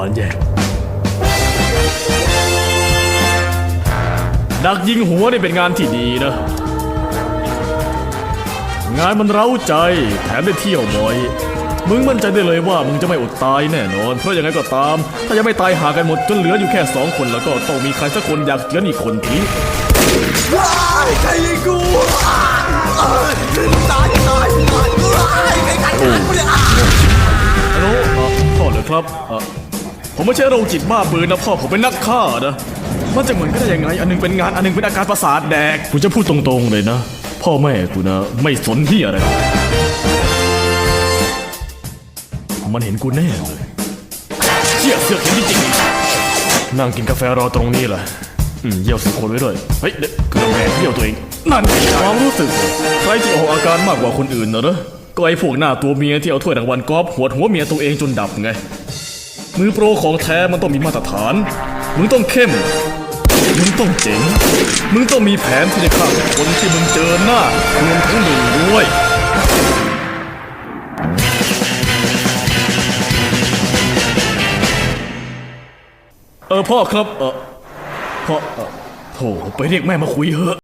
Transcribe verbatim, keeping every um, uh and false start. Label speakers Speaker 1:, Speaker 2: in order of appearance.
Speaker 1: านแย่ดักยิงหัวนี่เป็นงานที่ดีนะงานมันเร้าใจแถมได้เที่ยวบ่อยมึงมั่นใจได้เลยว่ามึงจะไม่อดตายแน่นอนเพราะยังไงก็ตามถ้ายังไม่ตายหากันหมดจนเหลืออยู่แค่สองคนแล้วก็ต้องมีใครสักคนอยากเจือนอีกคนทิ้ง
Speaker 2: ว้ายใครยิงกูตายตายตายว้ายใครกัดฉันกูเนี่ย
Speaker 1: ฮัลโหลพ่อเหรอครับผมไม่ใช่โรคจิตบ้าปืนนะพ่อผมเป็นนักฆ่านะมันจะเหมือนกันได้ยังไงอันนึงเป็นงานอันนึงเป็นอาการประสาทแดกกูจะพูดตรงๆเลยนะพ่อแม่กูนะไม่สนที่อะไรมันเห็นกูแน่เลยเชี่ยเสือกเห็นจริงๆนั่งกินกาแฟรอตรงนี้แหละอืมเยี่ยวสุคนไว้ด้วยเฮ้ยเด็กกระแมงเยี่ยวตัวเองนั่นความรู้สึกใครที่ออกอาการมากกว่าคนอื่นนะเนอะก็ไอ้พวกหน้าตัวเมียที่เอาถ้วยรางวัลกอล์ฟหัวหัวเมียตัวเองจนดับไงมือโปรของแท้มันต้องมีมาตรฐานมึงต้องเข้มมึงต้องเจ๋งมึงต้องมีแผนที่จะฆ่าคนที่มึงเจอหน้ารวมทั้งมึงด้วยเออพ่อครับเออพ่อเออโถไปเรียกแม่มาคุยเถอะ